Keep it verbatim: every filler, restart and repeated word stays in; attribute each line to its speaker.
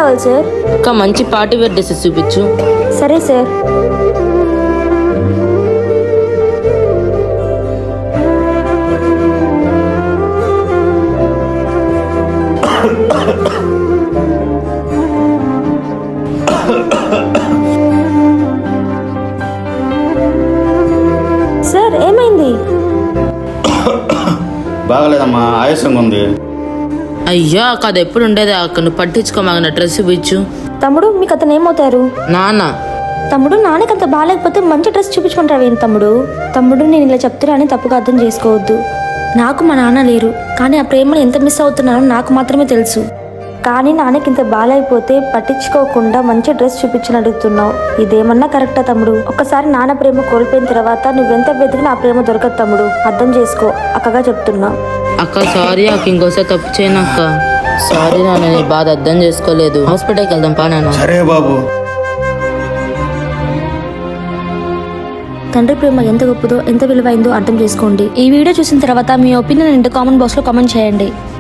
Speaker 1: కావాలి సార్?
Speaker 2: ఒక మంచి పార్టీ వేర్ డ్రెస్సెస్ చూపించు.
Speaker 1: సరే సార్. సార్ ఏమైంది?
Speaker 3: బాగలేదమ్మా, ఆయాసంగా ఉంది.
Speaker 2: అయ్యా అది ఎప్పుడు ఉండేది అక్క, నువ్వు పట్టించుకోమాగన డ్రెస్ చూపించు.
Speaker 1: తమ్ముడు మీకు అతను ఏమవుతారు?
Speaker 2: నాన్న.
Speaker 1: తమ్ముడు నాన్నకి అంత బాగాలేకపోతే మంచి డ్రెస్ చూపించుకుంటావు ఏంటి తమ్ముడు? తమ్ముడు నేను ఇలా చెప్తున్నానని తప్పుగా అర్థం చేసుకోవద్దు. నాకు మా నాన్న లేరు, కానీ ఆ ప్రేమను ఎంత మిస్ అవుతున్నానో నాకు మాత్రమే తెలుసు. కానీ నాన్నకి ఇంత బాగాలేకపోతే పట్టించుకోకుండా మంచి డ్రెస్ చూపించని అడుగుతున్నావు. ఇదేమన్నా కరెక్టా తమ్ముడు? ఒకసారి నాన్న ప్రేమ కోల్పోయిన తర్వాత నువ్వెంత వెతికినా ఆ ప్రేమ దొరకదు తమ్ముడు. అర్థం చేసుకో, అక్కగా చెప్తున్నా.
Speaker 2: అక్క సారీ అక్క, ఇంకోసారి తప్పు చేయను అక్క. సారీ నాన్న, నీ బాధ అర్థం చేసుకోలేదు. హాస్పిటల్కి వెళ్దాం పా నాన్న.
Speaker 3: సరే బాబు.
Speaker 1: తండ్రి ప్రేమ ఎంత గొప్పదో ఎంత విలువైందో అర్థం చేసుకోండి. ఈ వీడియో చూసిన తర్వాత మీ ఒపీనియన్ ఏంటో కామెంట్ బాక్స్ లో కామెంట్ చేయండి.